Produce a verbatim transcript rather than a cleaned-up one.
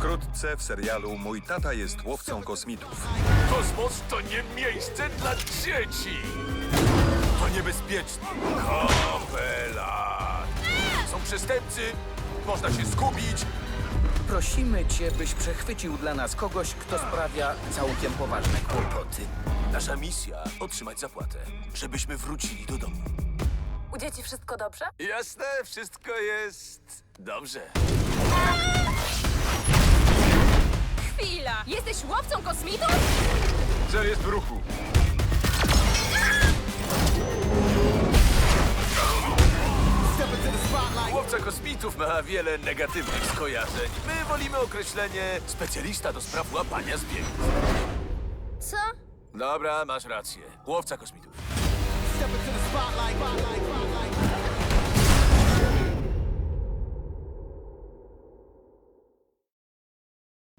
Wkrótce w serialu Mój tata jest łowcą kosmitów. Kosmos to nie miejsce dla dzieci! To niebezpieczne. Kapela! Są przestępcy, można się zgubić. Prosimy cię, byś przechwycił dla nas kogoś, kto sprawia całkiem poważne kłopoty. Nasza misja otrzymać zapłatę, żebyśmy wrócili do domu. U dzieci wszystko dobrze? Jasne, wszystko jest dobrze. Chwila! Jesteś łowcą kosmitów? Cel jest w ruchu. Łowca kosmitów ma wiele negatywnych skojarzeń. My wolimy określenie specjalista do spraw łapania zbiegów. Co? Dobra, masz rację. Łowca kosmitów. Step into the spotlight.